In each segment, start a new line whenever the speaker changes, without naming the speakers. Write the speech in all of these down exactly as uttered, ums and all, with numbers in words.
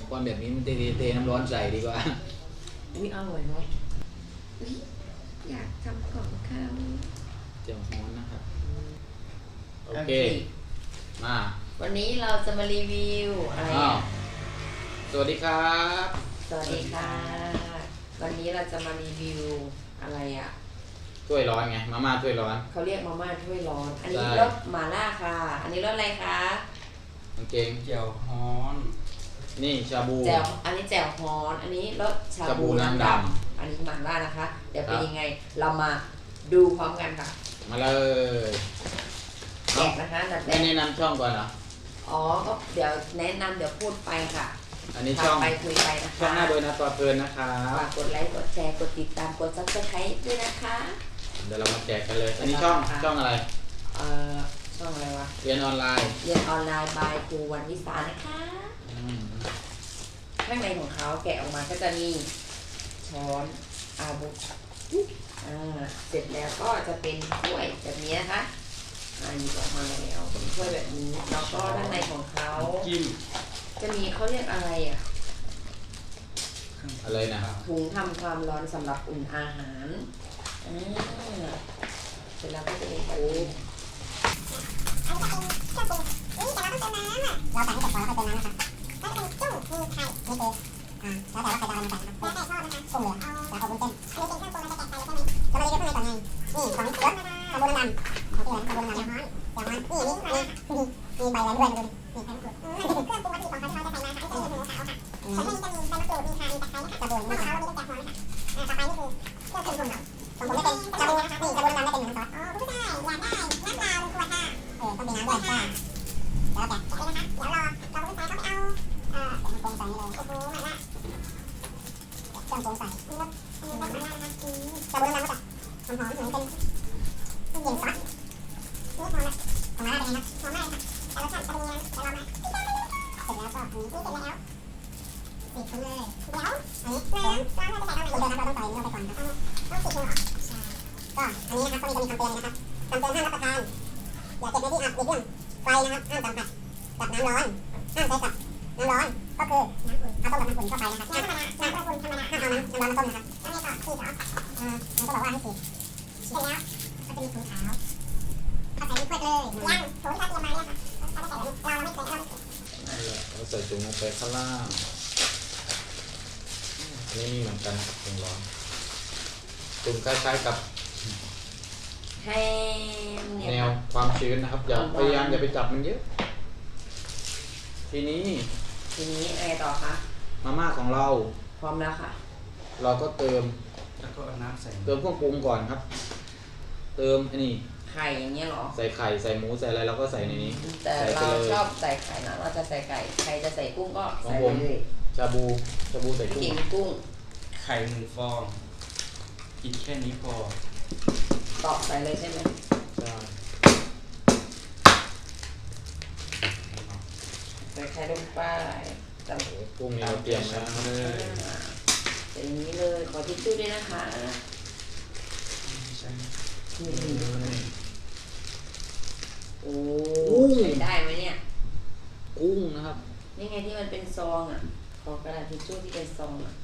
ก้อนแบบนี้มันเทเทน้ำร้อนใส่ดีกว่า
อุ้ยอร่อยเนาะอยากทำของข้าว
เจียวฮ้อนนะครับโอเคมา
วันนี้เราจะมารีวิวอะไร
สวัสดีครับ
สวัสดีค่ะวันนี้เราจะมารีวิวอะไรอ่ะ
ถ้วยร้อนไงมาม่าถ้วยร้อน
เขาเรียกมาม่าถ้วยร้อนอันนี้รสหม่าล่าค่ะอันนี้รสอะไรคะ
กางเกง
เจียวฮ้อน
นี่ชาบู
แจ่วอันนี้แจ่วฮ้อนอันนี้รสชาบูน้ำดำอันนี้หม่าล่านะคะเดี๋ยวเป็นยังไงเรามาดูพร้อมกันค่ะ
มาเลย
แจกนะคะดัดแ
ม่แนะนำช่องก่อนเหรอ
อ๋อก็เดี๋ยวแนะนำเดี๋ยวพูดไปค่ะ
อันนี้ช่อง
ไปคุยไปนะคะ
ช่องหน้าโดยนะต่อเพลินนะคะ
ฝากกดไลค์กดแชร์กดติดตามกดซับสไครต์ด้วยนะคะ
เดี๋ยวเรามาแจกกันเลยอันนี้ช่องช่องอะไร
เอ่อช่องอะไรวะ
เรียนออนไลน์
เรียนออนไลน์บายครูวันวิสานะคะข้างในของเขาแกะออกมาก็จะมีช้อนอาบุอ่าเสร็จแล้วก็จะเป็นถ้วยแบบนี้นะคะอ่าหยิบออกมาแล้วเป็นถ้วยแบบนี้แล้วก็ด้านในของเขาจะมีเขาเรียกอะไรอ่ะ
อะไรนะ
ถุงทำความร้อนสำหรับอุ่นอาหารอ่าเสร็จแล้วก็จะเป็นโอ้อันนี้จะเป็นเครื่องปรุงนี่แต่เราต้องเติมน้ำอ่ะเราใส่ให้เสร็จก่อนแล้วค่อยเติมน้ำนะคะก็จะเป็นจุ้งมีไข่นี่คืออ่าแล้วแต่ว่าใครจะเอาอะไรมาใส่นะครับแล้วแต่ชอบนะคะกุ้งเหลืองแล้วก็วุ้นเส้นอันนี้เป็นเครื่องปรุงเราจะแกะใส่เลยใช่ไหมเรามารีวิวข้างในก่อนไงนี่ของรสชาบูน้ำดำของที่เหลือชาบูน้ำดำอย่างฮ้อนอย่างฮ้อนนี่นี่นี่มีใบอะไรด้วยดูดินี่ใบมะกรูดอืมมันเป็นเครื่องปรุงวัตถุดิบของเขาที่เราจะใส่มาค่ะที่เป็นหมูขาวค่ะส่วนนี้จะมีใบมะกรูดมีข่ามีตะไคร้นะคะชาบูของเราเรามีตั้งแต่ฮ้อนนะคะอ่าต่อไปนี่คือเครื่องปรุงของเราของผมจะเป็นชาบูนะคะนี่ชาบูน้ำดำได้เป็นหนึ่งซอสอ๋อผู้ชายอยากได้น้ำเปล่าหนึ่งขวดค่ะเออต้องมีน้ำด้วยค่ะแล้วแกะแกะเลยนะคะเดี๋ยวรอเราผู้ชายเขาไปเอาเอ่อเครื่องปรุงใส่นี่เลยโอ้โหมาละเครื่องปรุงใส่นี่รสอันนี้รสมาละนะคะอืมชาบูน้ำดำก็จะหอมๆเหมือนเป็นเย็นซอสนี่พอละของมาละเป็นไงครับหอมมากเลยค่ะแต่รสชาติจะเป็นยังไงเดี๋ยวเรามาเสร็จแล้วก็อันนี้นี่เสร็จแล้วปิดไปเลยเดี๋ยวอันนี้น้ำน้ำเราจะใส่ตอนไหนเดี๋ยวเราต้องใส่นี่ลงไปก่อนครับต้องปิดมือเหรอใช่ก็อันนี้นะครับก็มีจะมีคำเตือนนะครับคำเตือนห้ามรับประทานอย่าเก็บในที่อับหลีกเลี่ยงไฟนะครับห้ามสัมผัสกับน้ำร้อนห้ามใช้กับน้ำร้อนก็คือน้ำอุ่นเอาต้มกับน้ำอุ่นเข้าไปนะครับน้ำธรรมดาน้ำอุ่นธรรมดาห้ามเอาน้ำน้ำร้อนมาต้มนะครับแล้วไงต่อฉีดเหรออ่ามันก็บอกว่าให้ฉีดเสร็จแล้วก็จะมีถุงขาวเอาใส่ในขวดเลยยังถุงที่เขาเตรียมมาเนี่ยค่ะเขาจะใส่แบบนี้เราไม่เคยเราไม่เคย
เราใส่ถุงลงไปข้างล่างอันนี้มีเหมือนกันครับถุงร้อนถุงคล้ายๆกับแนวความชื้นนะครับอย่าพยายามอย่าไปจับมันเยอะทีนี้
ทีนี้อะไรต่อคะ
มาม่าของเรา
พร้อมแล้วค่ะ
เราก็เติม
แล้วก็เอาน้ำใส่
เติมเครื่องปรุงก่อนครับเติมอันนี้
ไข่อย่างเงี้ยหรอ
ใส่ไข่ใส่หมูใส่อะไรเราก็ใส่ในนี้
แต่เราชอบใส่ไข่นะเราจะใส่ไก่ใครจะใส่กุ้งก็ใส่เลย
ชาบูชาบูใส่กุ้ง
กินกุ้ง
ไข่หนึ่งฟองกินแค่นี้พอ
ตอกใส่เลยใช่ไหม
ใช่
ใส่ไข่ลงไป
แต่กุ้งนี่เราเตรียมแล้วเลย
อย่างนี้เลยขอทิชชู่ด้วยนะคะโอ้ใช้ได้ไหมเนี่ย
กุ้งนะครับ
นี่ไงที่มันเป็นซองอ่ะขอกระดาษทิชชู่ที่เป็นซองอ่ะ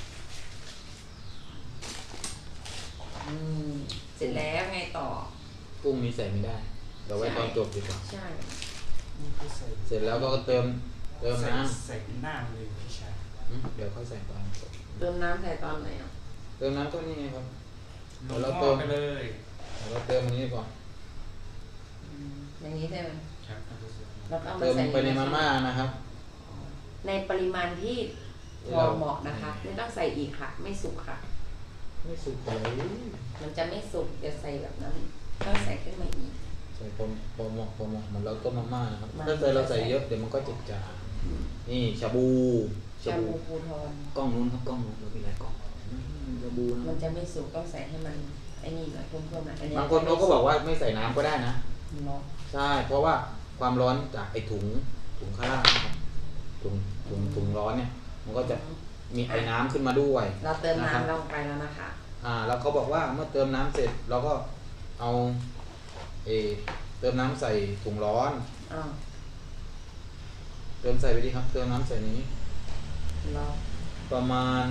อืมเสร็จแล้วไงต่อ
กุ้งนี้ใส่ไม่ได้เดี๋ยวไว้ตอนจบดีกว่า
ใช่
เสร็จแล้วก็เติมเติมน้
ำใส่หน้าเลยพี่ชาย
เดี๋ยวค่อยใส่ตอนจบ
เติมน้ำใส่ตอนไหนอ่ะ
เติมน้ำก็นี่ไงครับ
เราเติมไปเลย
เราเติมอันนี้ก่อน
อย่างนี้ใช่ไหม
แล้วก็เติมไปในมาม่านะครับ
ในปริมาณที่พอเหมาะนะคะไม่ต้องใส่อีกค่ะไม่สุกค่ะ
ไม่สุกเลย
มันจะไม่สุกจะใส่แบบนั้นต้องใส่ขึ้นมาอีก
ใส่พอพอเหมาะพอเหมาะเหมือนเราต้มมาม่านะครับถ้าใส่เราใส่เยอะเดี๋ยวมันก็จิจางนี่ชาบู
ชาบูภูทร
กล้องนู้นครับกล้องนู้นเรามีหลายกล้องชาบู
มันจะไม่สุกต้องใส่ให้มันไอ้นี่หน่อยเพิ่มๆหน่อย
บางคนเขาก็บอกว่าไม่ใส่น้ำก็ได้นะ
เนาะ
ใช่เพราะว่าความร้อนจากไอ้ถุงถุงข้างล่างนะครับถุงถุงถุงร้อนเนี่ยมันก็จะมีไอ้น้ำขึ้นมาด้วย
เราเติมน้ำลงไปแล้วนะคะ
อ่าแล้วเขาบอกว่าเมื่อเติมน้ำเสร็จเราก็เอาเอเติมน้ำใส่ถุงร้อนเติมใส่ไปดีครับเติมน้ำใส่นี้
รอ
ประมาณ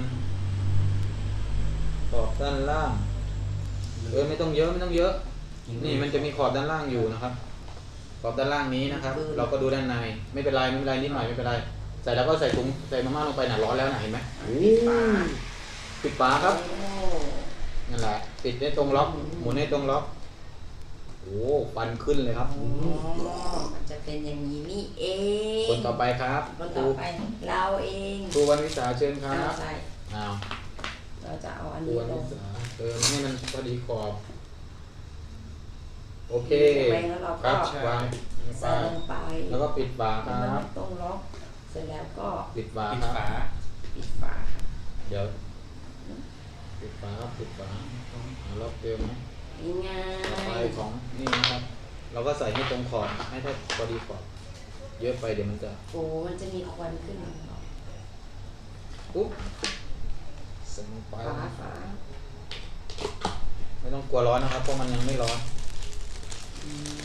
ขอบด้านล่างเออไม่ต้องเยอะไม่ต้องเยอะ นี่มันจะมีขอบด้านล่างอยู่นะครับ ขอบด้านล่างนี้นะครับ เราก็ดูด้านในไม่เป็นไรไม่เป็นไรนิดหน่อยไม่เป็นไรใส่แล้วก็ใส่ถุงใส่มาม่าลงไปหนาร้อนแล้วนะเห็นไหม
ปิดฝา
ปิดฝาครับ
โอ้
นั่นแหละปิดให้ตรงล็อกหมุนให้ตรงล็อกโอ้ฟันขึ้นเลยครับ
อ๋อมันจะเป็นอย่างนี้นี่เอง
คนต่อไปครับ
คน
ค
ต่
รู
อไปเราเอง
ครูวันวิสาเชิญครั
เอา
บ
ใส่
อ้าว
เราจะเอาอัน
ครู
นี้
วัน
ล
วิ
ง
สาเติมให้มันพอดีขอบโอเค
ไปแล้วเรา
ค
ก็
รับวางลงไป
ใส่ลงไป
แล้วก็ปิดฝาค
ให้
รั
มัน
บ
ตรงล็อกเสร็จแล้วก็
ปิดฝา
ปิด
ครับ
ฝา
ปิดฝาค่ะ
เดี๋ยวปิดฝาครับปิดฝาเอาล็อกเติมไหม
ง่า
ต่อไป
ย
ของนี่นะครับ เราก็ใส่ให้ตรงขอบให้ได้พอดีขอบเยอะไปเดี๋ยวมันจะ
โอ้มันจะมีควันขึ้นมา
ปุ๊บใส่ลงไป
ฝาฝา
ไม่ต้องกลัวร้อนนะครับเพราะมันยังไม่ร้อน
อืม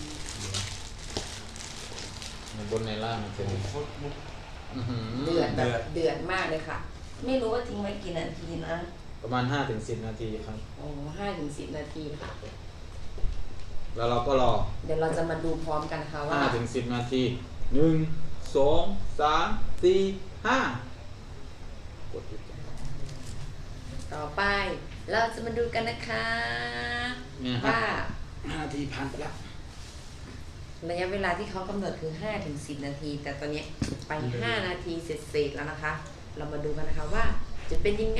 ในบนในล่างมันจะมี
โคตรมุก
อื้อหือ
เดือดแบ
เดื
บ
อด
เดือดมากเลยค่ะ ไม่รู้ว่าทิ้งไว้กี่นาทีนะ
ประมาณห้าถึงสิบนาทีครับ
โอ้ห้าถึงสิบนาทีค่ะ
แล้วเราก็รอ
เดี๋ยวเราจะมาดูพร้อมกันค่ะว่า
ห้าถึงสิบนาทีหนึ่งสองสามสี่ห้า กดหยุด
ต่อไป เราจะมาดูกันนะคะ
เนี่ยครับ
ว่า
ห้านาทีผ่านไปแล้ว
ระยะเวลาที่เขากำหนดคือห้าถึงสิบนาที แต่ตอนนี้ไปห้านาทีเสร็จๆแล้วนะคะ เรามาดูกันนะคะว่าจะเป็นยังไง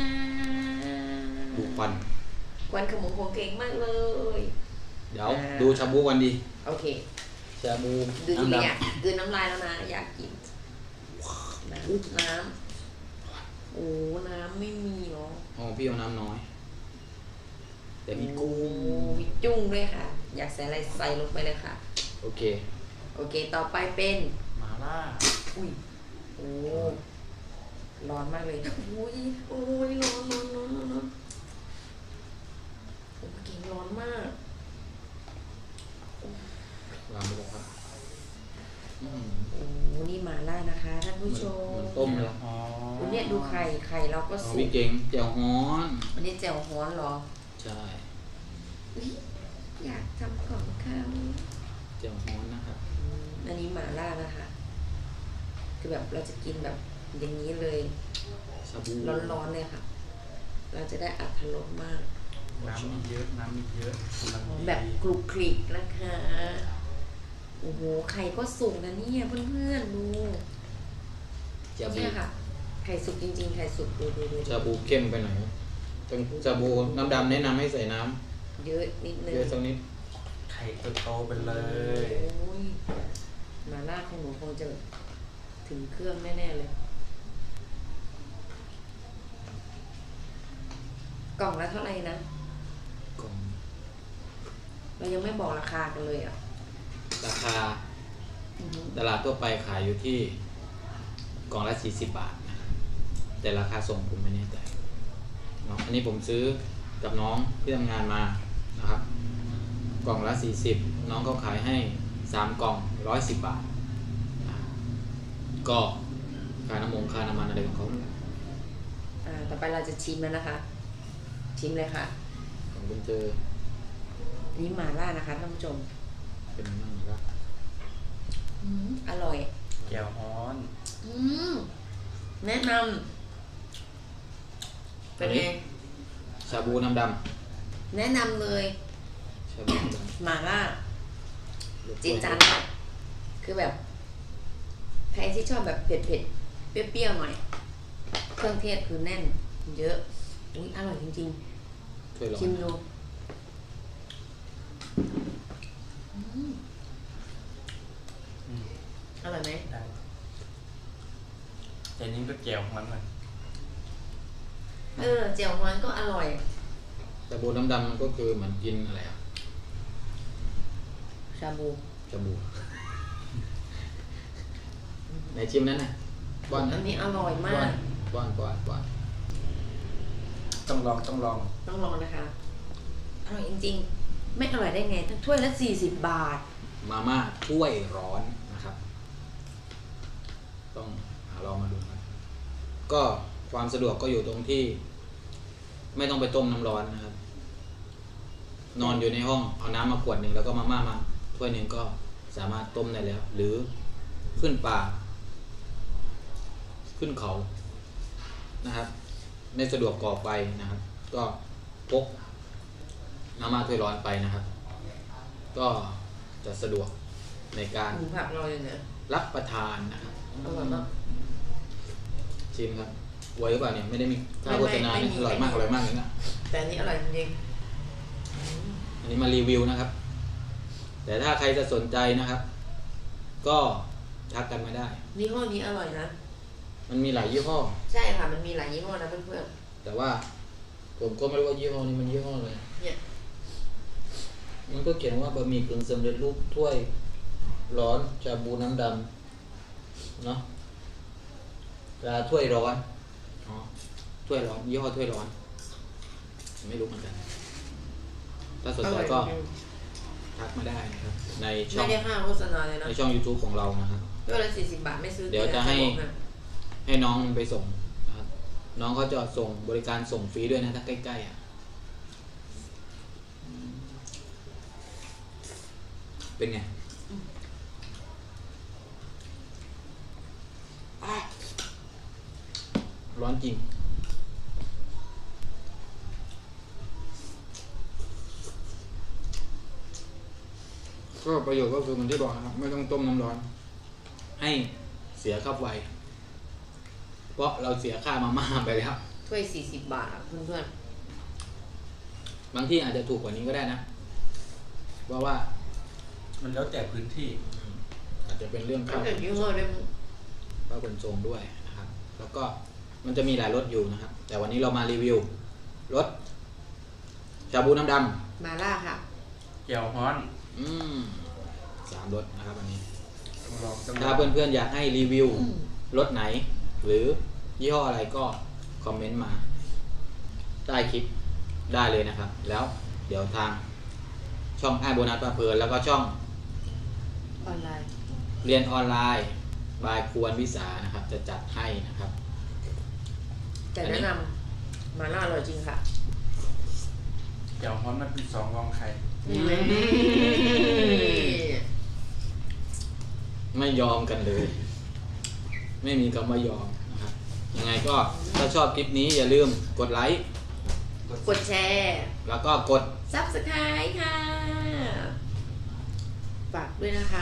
ดูควัน
ควันขโมงคงเก่งมากเลย
เดี๋ยว
อ่า
ดูชาบูกันดี
โอเค
ชาบู
ดูจริง
น้ำ
ๆ
ดำ
อ่ะกลืนน้ำลายแล้วนะ อยากกิน น้ำน้ำโอ้น้ำไม่มีเหรอ
อ๋อพี่เอาน้ำน้อย แต่มีกุ้ง
โอ้มีจุ้งด้วยค่ะ อยากใส่อะไรใส่ลงไปเลยค่ะ
โอเค
โอเค ต่อไปเป็น
มาล่า
อุ้ย โอ้ ร้อนมากเลย อุ้ย โอ้ย ร้อนร้อนร้อนร้อนร้อนโอ้เก่งร้อนมาก
วางไปเลยครับอืม
โอ้นี่หมาล่านะคะท่านผู้ชม
เหมือนต้มเลย
อ๋อ
วันนี้ดูไข่ ไข่เราก็
อ๋อ
สุ
พี่
ก
เก่งแจ่วฮ้อน
วันนี้แจ่วฮ้อนเหรอ
ใช่
อุ๊ยอยากทำของเขา
แจ่วฮ้อนนะครับ
อืมอันนี้หมาล่านะคะ คือแบบเราจะกินแบบอย่างนี้เลย
ชาบู
ร้อนๆเลยค่ะ เราจะได้อัตรสมาก
น้ำมีเยอะน้ำมีเยอะกำลังดี
แบบกรุบกริกนะคะ โอ้โห ไข่ก็สุกนะเนี่ยเพื่อนๆดู
ชาบู
เนี่ยค่ะ ไข่สุกจริงๆ ไข่สุกดูดูดู
ชาบูเข้มไปหน่อยต้องชาบูน้ำดำแนะนำให้ใส่น้
เยอะนิด
ำ
นึง
เยอะสักนิด
ไข่โตๆไปเลย
โอ้ยมาล่าของหนูคงจะถึงเครื่องแน่ๆเลย กล่องละเท่าไหร่นะ
กล่อง
เรายังไม่บอกราคากันเลยอ่ะ
ราคา
อือฮึ
ตลาดทั่วไปขายอยู่ที่กล่องละสี่สิบบาทนะครับแต่ราคาส่งผมไม่แน่ใจเนาะอันนี้ผมซื้อกับน้องที่ทำงานมานะครับ กล่องละสี่สิบน้องเขาขายให้สามกล่องร้อยสิบบาทอ่าก็ค่าน้ำมงค่าน้ำมันอะไรของเขา
อ่า ต่อไปเราจะชิมแล้วนะคะ ชิมเลยค่ะ
ของคุณเจอ
อันนี้หมาล่านะคะท่านผู้ชม
เป็นมั่งครับ
อืมอร่อย
แก้วฮ้อน
อืมแนะนำเป็นไง
ชาบูน้ำด
แนะนำเลย
ำชาบูน้ำดำ
หมาล่า
รส
จีนจานค่ะคือแบบ ใครที่ชอบแบบเผ็ดเผ็ดๆเปรี้ยวๆหน่อย เครื่องเทศคือแน่น เยอะ อุ้ยอร่อยจริง
ช่วยลอ
ๆ
ง
ชิมดูอืม
อืม
อร่อยไหม
ได้แต่นี้ก็แก้วฮ้อนหน่อย
เออเจียวฮวนก็อร่อย
ชาบูน้ำดำมันก็คือเหมือนกินอะไรอะ
ชาบู
ชาบู ไหนชิมนั้นน่ะป้อน
อั
นะ
นนี้อร่อยมา
ป้อน
ก
ป้อนป้อนป้อน
ต้องลองต้องลอง
ต้องลองนะคะ อร่อยจริงๆ ไม่อร่อยได้ไงทั้งถ้วยละสี่สิบบาท
มาม่าถ้วยร้อนนะครับ ต้องหาลองมาดูครับก็ความสะดวกก็อยู่ตรงที่ ไม่ต้องไปต้มน้ำร้อนนะครับ นอนอยู่ในห้องเอาน้ำมาขวดหนึ่งแล้วก็มาม่ามาถ้วยหนึ่งก็สามารถต้มได้แล้ว หรือขึ้นป่า ขึ้นเขานะครับ ไม่สะดวกก่อไฟนะครับ ก็พกมาม่าถ้วยร้อนไปนะครับ ก็จะสะดวกในการ
หมูผักเราอย่างเนี้ย
รับประทานนะครับ
อร่อยมาก
ชิมครับไว้หรือเปล่าเนี่ยไม่ได้มีค่าโฆษณา
ไม่
เนี่ย
ไม่
อร่อยมากอร่อยมากเลยนะ
แต่อันนี้อร่อยจริง
อันนี้มารีวิวนะครับ แต่ถ้าใครจะสนใจนะครับ ก็ทักกันมาได้
ๆยี่ห้อนี้อร่อยนะ
มันมีหลายยี่ห้อ
ใช่ค่ะ มันมีหลายยี่ห้อนะเพื่อน
แต่ว่าผมก็ไม่รู้ว่ายี่ห้อนี้มันยี่ห้ออะไร
ๆเนี่ย
มันก็เขียนว่าบะหมี่กึ่งสำเร็จรูปถ้วยร้อนชาบูน้ำดำเนาะปลาถ้วยร้อนอ๋อถ้วยร้อนยี่ห้อถ้วยร้อน ไม่รู้เหมือนกัน ถ้าสน
อ
ใจ
ร่อย
ก็
จริง
ทักมาได้นะครับ ใน
ๆ
ช่อ
ไม่
ง
ได้ค่าโฆษณาเลยนะ
ในช่อง YouTube ของเรานะครับ
ด้วยละสี่สิบบาทไม่ซื้อ
เดี๋ยวจะให้
บอกนะ
ให้น้องมันไปส่งนะครับ น้องเขาจะส่งบริการส่งฟรีด้วยนะถ้าใกล้ๆอ่ะ เป็นไง ร้อนจริง ก็ประโยชน์ก็คือเหมือนที่บอกนะครับ ไม่ต้องต้มน้ำร้อน ให้เสียค่าไฟเพราะเราเสียค่ามาม่าไปแล้ว
ถ้วยสี่สิบบาทอ่ะเพื่อน
บางที่อาจจะถูกกว่านี้ก็ได้นะ เพราะว่า
มันแล้วแต่พื้นที่
อาจจะเป็นเรื่อง
ๆ
ค่า
แล้วแต่ยี่ห้อด้วย
ค่าขนส่งด้วยนะครับ แล้วก็มันจะมีหลายรสอยู่นะครับ แต่วันนี้เรามารีวิวรสชาบูน้ำด
มาล่าค่ะ
แก้วฮ้อน
ำอืมสามรสนะครับวันนี้
ต้องลองต้อง
ถ้าเพื่อนๆอยากให้รีวิวรสไหน หรือยี่ห้ออะไรก็คอมเมนต์มาใต้คลิปได้เลยนะครับ แล้วเดี๋ยวทางช่องไอโบนัสปลาเพลินแล้วก็ช่อง
ออนไลน์
เรียนออนไลน์บายควรวิสานะครับ จะจัดให้นะครับ
แต่
อันนี้
แนะนำมาล่าอร่อยจริงค่ะ
แก้วฮ้อนมันเป็นสองรองไข่
ไม่ยอมกันเลย ไม่มีคำว่ายอมนะครับ ยังไงก็ถ้าชอบคลิปนี้อย่าลืมกดไลค์
กดแชร์
แล้วก็กด
ซับสไครต์ค่ะ ฝากด้วยนะคะ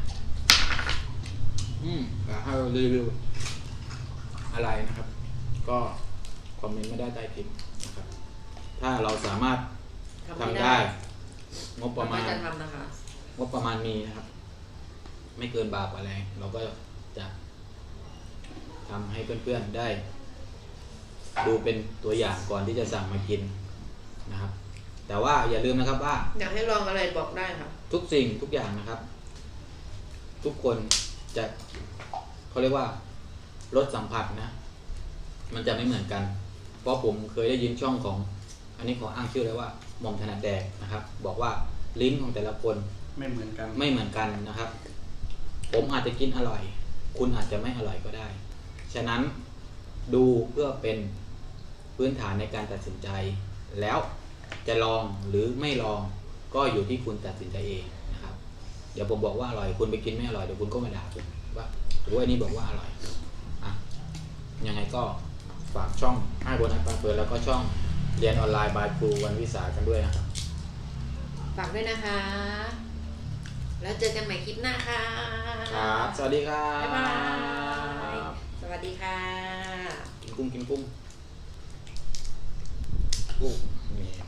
อืมอยากให้เรารีวิวอะไรนะครับ ก็คอมเมนต์ไม่ได้ใต้คลิปนะครับ ถ้าเราสามารถ
ทำ
ทำ
ไม่
ได้
ได้
งบประมาณ
เจะทำนะคะ
งบประมาณมีนะครับ ไม่เกินบาทกว่าแรงเราก็จะทำให้เพื่อนๆได้ ดูเป็นตัวอย่างก่อนที่จะสั่งมากินนะครับ แต่ว่าอย่าลืมนะครับว่า
อยากให้ลองอะไรบอกได้ค่ะ
ทุกสิ่งทุกอย่างนะครับ ทุกคนจะเขาเรียกว่ารสสัมผัสนะ มันจะไม่เหมือนกัน เพราะผมเคยได้ยินช่องของ อันนี้ขออ้างชื่อเลยว่าหม่อมถนัดแดกนะครับ บอกว่าลิ้นของแต่ละคน
ไม่เหมือนกัน
ไม่เหมือนกันนะครับ ผมอาจจะกินอร่อย คุณอาจจะไม่อร่อยก็ได้ ฉะนั้นดูเพื่อเป็นพื้นฐานในการตัดสินใจ แล้วจะลองหรือไม่ลองก็อยู่ที่คุณตัดสินใจเองนะครับ เดี๋ยวผมบอกว่าอร่อย คุณไปกินไม่อร่อยเดี๋ยวคุณก็มาด่าผมว่าโอ้ยอันนี้บอกว่าอร่อยอ่ะยังไงก็ฝากช่องให้โบนัสปลาเปิดแล้วก็ช่องเรียนออนไลน์บายครูวันวิสากันด้วยนะครับ
ฝากด้วยนะคะ แล้วเจอกันใหม่คลิปหน้าค่ะ
ครับ สวัสดีครับ
บ๊ายบาย สวัสดีค่ะ
กินกุ้งกินกุ้งกุ้งนี่